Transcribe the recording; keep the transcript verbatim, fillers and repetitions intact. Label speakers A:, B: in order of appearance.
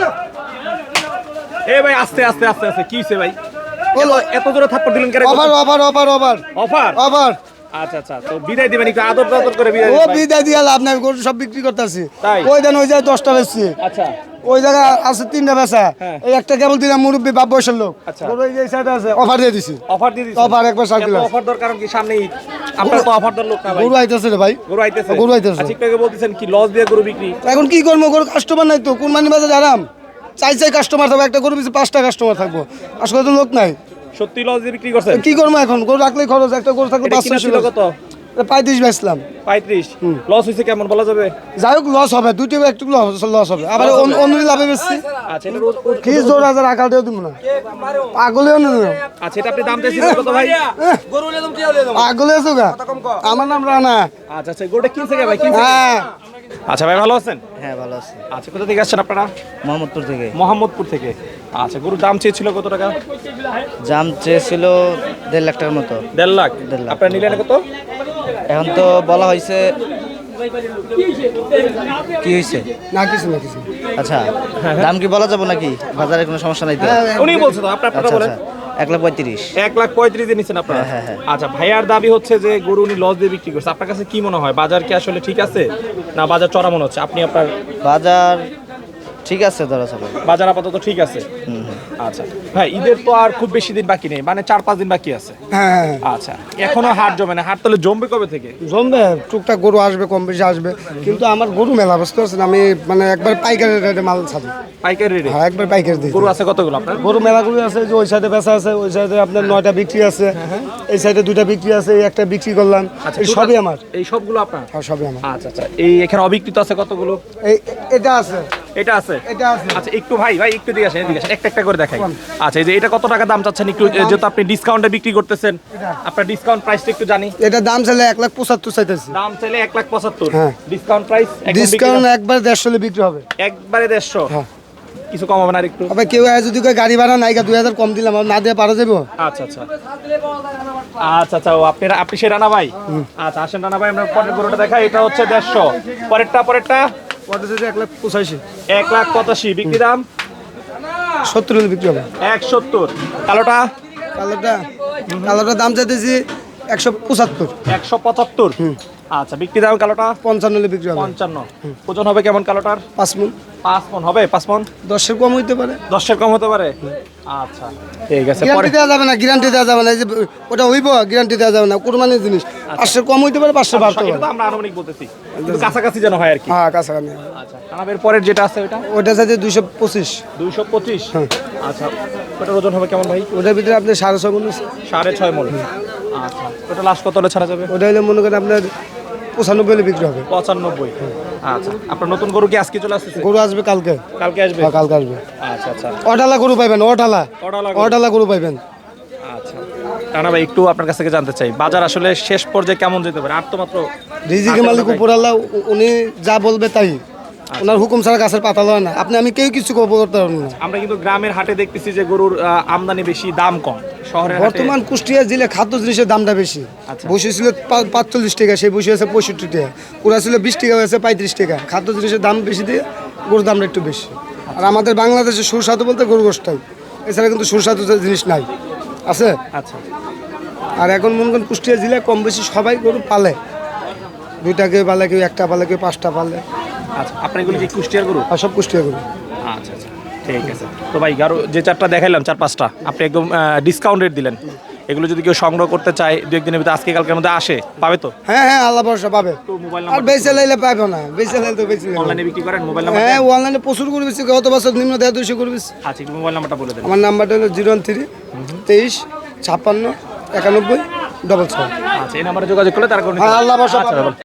A: এ ভাই আস্তে আস্তে আস্তে আস্তে কি হইছে ভাই? এত জোরে থাপ্পড় দিলেন কেন?
B: Offer offer offer offer
A: offer
B: offer
A: আচ্ছা আচ্ছা, তো বিদায় দিবেন একটু আদর আদর করে বিদায়
B: ও
A: দিবেন ভাই।
B: বিদায় দিয়ে লাভ নাই, গরু সব বিক্রি করতেছি।
A: তাই?
B: ওই দেন ওই জায়গায় দশটা বেচছি,
A: আচ্ছা
B: ওই জায়গায় আছে তিনটা বেচা,
A: হ্যাঁ।
B: এই একটা কেবল দিলাম মুরব্বী বাপ বয়সের লোক।
A: আচ্ছা।
B: গরু এই যে সাইডে আছে, অফার দিয়ে দিছি।
A: অফার দিয়ে দিছেন?
B: অফার একবার সার
A: এত
B: দিলাম।
A: অফার দরকার কি? সামনে ঈদ, আপনার তো অফার দর লোক না ভাই।
B: গরু আইতেছে রে ভাই,
A: গরু আইতেছে?
B: গরু আইতেছে।
A: আচ্ছা, একটু আগে বলতেছেন কি লস দিয়ে গরু বিক্রি?
B: এখন কি করবো, গরু কাস্টমার নাই তো, কুরবানি বাজার আরাম, চাই চাই কাস্টমার থাকবো, একটা গরু পিছনে পাঁচটা কাস্টমার থাকবো, আসলে তো লোক নাই।
A: সত্যি লস দিয়ে বিক্রি করছেন?
B: কি করবো এখন, গরু রাখলেই খরচ, একটা গরু থাকলে
A: এটা
B: পাঁচশো
A: কিনা ছিল কত?
B: পঁয়ত্রিশ বেচলাম।
A: পঁয়ত্রিশ? লস হয়েছে কেমন বলা যাবে?
B: যাই হোক লস হবে, দুইটা একটু লস হবে, আবার অন্য লাভে বেশি।
A: আচ্ছা, এটা রোজ
B: কি জোর হাজার আকাল দিয়ে দিব না, পাগলেও না।
A: আচ্ছা, এটা আপনি দাম চাইছিলেন কত ভাই?
B: পাগলে আছো গা, আমার নাম রানা।
A: আচ্ছা আচ্ছা, গরুটা কিনছে কে ভাই? কিনছে?
B: হ্যাঁ
A: আচ্ছা ভাই, ভালো আছেন?
C: হ্যাঁ ভালো আছি।
A: আচ্ছা, কোথা থেকে আসছেন আপনারা?
C: মোহাম্মদপুর থেকে।
A: মোহাম্মদপুর থেকে। আচ্ছা, গরুর দাম চেয়েছিল কত টাকা?
C: জাম চেয়েছিল দেড় লাখ টাকার মতো।
A: দেড় লাখ?
C: দেড় লাখ।
A: আপনারা নিলেন কত?
C: এখন তো বলা হয়েছে কি হয়েছে?
B: না কিছু না কিছু।
C: আচ্ছা, দাম কি বলা যাবে নাকি? বাজারে কোনো সমস্যা নাই তো?
A: উনি বলছে তো, আপনি আপনারা
C: আচ্ছা
A: বলেন।
C: আচ্ছা, এক লাখ পঁয়ত্রিশ।
A: এক লাখ পঁয়ত্রিশ দিয়ে নিচ্ছেন আপনারা?
C: হ্যাঁ, হ্যাঁ,
A: আচ্ছা, ভাইয়ার দাবি হচ্ছে যে গরু উনি লস দিয়ে বিক্রি করছে। আপনার কাছে কি মনে হয়, বাজার কি আসলে ঠিক আছে না বাজার চড়া মনে হচ্ছে? আপনি আপনার
C: বাজার ঠিক আছে ধরা চলে।
A: বাজার আপাতত ঠিক আছে। আচ্ছা ভাই, ঈদের তো আর খুব বেশি দিন বাকি নেই, মানে চার পাঁচ দিন বাকি আছে।
B: হ্যাঁ
A: আচ্ছা, এখনো হাট জমে না। হাট তাহলে জমবে কবে থেকে?
B: জমবে, টুকটাক গরু আসবে, কম বেশি আসবে, কিন্তু আমার গরু মেলা বুঝতে পারছেন, আমি মানে একবার পাইকারি রেটে মাল ছাড়ি।
A: পাইকারি রেটে?
B: হ্যাঁ একবার পাইকারি দিই।
A: গরু আছে কতগুলো আপনার?
B: গরু মেলা গরু আছে, যে ওই সাইডে বেচা আছে, ওই সাইডে আপনার নয়টা বিক্রি আছে, এই সাইডে দুইটা বিক্রি আছে, এই একটা বিক্রি করলাম।
A: আচ্ছা,
B: এই সবই আমার।
A: এই সবগুলো আপনার?
B: হ্যাঁ সবই আমার।
A: আচ্ছা আচ্ছা, এই এখানে অবিকৃত আছে কতগুলো?
B: এই এটা আছে,
A: এটা আছে?
B: এটা আছে।
A: আচ্ছা, একটু ভাই ভাই একটু দিকে আসেন, এদিকে আসেন, একটা একটা করে দেখাই। আচ্ছা, এই যে এটা কত টাকা দাম চাচ্ছেন একটু, যেহেতু আপনি ডিসকাউন্টে বিক্রি করতেছেন, আপনার ডিসকাউন্ট প্রাইসটা একটু জানি।
B: এটা দাম চাইলে এক লাখ পঁচাত্তর চাইতেছি।
A: দাম চাইলে এক লাখ পঁচাত্তর?
B: হ্যাঁ।
A: Discount price?
B: ডিসকাউন্ট একবার দেড়শো বিক্রি হবে।
A: একবারে দেড়শো?
B: হ্যাঁ।
A: কিছু কম হবে না আর একটু?
B: আবার কেউ যদি কয় গাড়ি ভাড়া নাই, দুই হাজার কম দিলাম, না দিয়ে পারা যাবো।
A: আচ্ছা আচ্ছা আচ্ছা আচ্ছা, ও আপনি আপনি সে রানা ভাই? আচ্ছা, আসেন রানা ভাই, আমরা পরের গরুটা দেখাই। এটা হচ্ছে দেড়শো। পরেরটা পরেরটা
B: এক লাখ পঁচাশি।
A: এক লাখ পঁচাশি বিক্রি দাম?
B: সত্তর হলে বিক্রি হবে।
A: এক সত্তর। কালোটা?
B: কালোটা কালোটার দাম চাইতেছি একশো পঁচাত্তর।
A: একশো পঁচাত্তর? আচ্ছা, বিক্রি দাম কালোটা?
B: পঞ্চান্ন হলে বিক্রি হবে।
A: পঞ্চান্ন। ওজন হবে কেমন কালোটার?
B: পাঁচ মন।
A: পাঁচ মন হবে? পাঁচ মন?
B: দশের কম হইতে পারে।
A: দশের কম হতে পারে? আচ্ছা ঠিক আছে। পরে
B: গ্যারান্টি দেওয়া যাবে না, গ্যারান্টি দেওয়া যাবে না, এই যে ওটা হইব গ্যারান্টি দেওয়া যাবে না, কোরবানির জিনিস। পাঁচশো কম হইতে পারে, পাঁচশো বাড়তে
A: এটা
B: পারে।
A: তো আমরা আনুমানিক বলতেছি, কিন্তু কাছাকাছি যেন হয় আর কি।
B: হ্যাঁ কাছাকাছি।
A: আচ্ছা, কানাবের পরের যেটা আছে ওটা?
B: ওটা চাইতে দুইশো পঁচিশ।
A: দুইশো পঁচিশ? আচ্ছা, ওটার ওজন হবে কেমন ভাই?
B: ওটার ভিতরে আপনি সাড়ে ছয় মন আছে।
A: সাড়ে ছয় মন? আচ্ছা, ওটা লাস্ট কত হলে ছাড়া যাবে?
B: ওটা হলে মনে করেন আপনার পঁচানব্বই হলে বিক্রি হবে।
A: পঁচানব্বই? আচ্ছা, আপনার নতুন গরু কি আজকে চলে আসতেছে?
B: গরু আসবে কালকে।
A: কালকে আসবে?
B: হ্যাঁ কালকে আসবে।
A: আচ্ছা আচ্ছা
B: অটালা গরু পাইবেন, অটালা
A: অডালা গরু।
B: অটালা গরু পাইবেন।
A: আচ্ছা, রানা ভাই একটু আপনার কাছ থেকে জানতে চাই, বাজার আসলে শেষ পর্যায়ে কেমন যেতে পারে? আর তো মাত্র
B: রিজিকের মালিক উপর আল্লাহ, উ- উনি যা বলবে তাই, ওনার হুকুম ছাড়া গাছের পাতা লয় না। আপনি আমি কেউ কিছু করতে পারবেন না।
A: আমরা কিন্তু গ্রামের হাটে দেখতেছি যে গরুর আহ, আমদানি বেশি, দাম কম। শহরের হাটে
B: বর্তমান কুষ্টিয়া জেলে খাদ্য জিনিসের দামটা বেশি।
A: আচ্ছা।
B: বসে ছিল পা- পাঁচচল্লিশ টাকা, সেই বসে আছে পঁয়ষট্টি টাকা, পুরা ছিল বিশ টাকা, হয়েছে পঁয়ত্রিশ টাকা। খাদ্য জিনিসের দাম বেশি দিয়ে গরুর দামটা একটু বেশি। আর আমাদের বাংলাদেশে সুস্বাদু বলতে গরু গোশটাই, এছাড়া কিন্তু সুস্বাদু জিনিস নাই আছে।
A: আচ্ছা
B: আর এখন মনে করেন কুষ্টিয়া জেলায় কম বেশি সবাই গরু পালে, দুইটা কেউ পালে, কেউ একটা পালে, কেউ পাঁচটা পালে,
A: আচ্ছা, আপনার এগুলো কি কুষ্টিয়ার গরু?
B: আর সব কুষ্টিয়া গরু।
A: আচ্ছা আচ্ছা ঠিক আছে। তো ভাই গারো যে চারটা দেখাইলাম, চার পাঁচটা আপনি একদম ডিসকাউন্ট রেট দিলেন। এগুলো যদি কেউ সংগ্রহ করতে চায় দু একদিনের ভিতরে, আজকে কালকের মধ্যে আসে, পাবে তো?
B: হ্যাঁ হ্যাঁ আল্লাহ ভরসা পাবে।
A: তো মোবাইল
B: আর
A: নাম্বার
B: বেচে লাইলে পাবে না, বেচে লাইলে তো বেচে লাইলে।
A: অনলাইনে বিক্রি করেন? Mobile number?
B: হ্যাঁ অনলাইনে প্রচুর করে বেশি, গত বছর নিম্ন দেড় দুইশো করে বেশি।
A: আচ্ছা, একটু মোবাইল নাম্বারটা বলে দেন।
B: আমার নাম্বারটা হলো জিরো ওয়ান থ্রি তেইশ ছাপ্পান্ন একানব্বই ডবল ছয়।
A: আচ্ছা, এই নাম্বারে যোগাযোগ করলে তার কোনো
B: হ্যাঁ আল্লাহ ভরসা পাবে।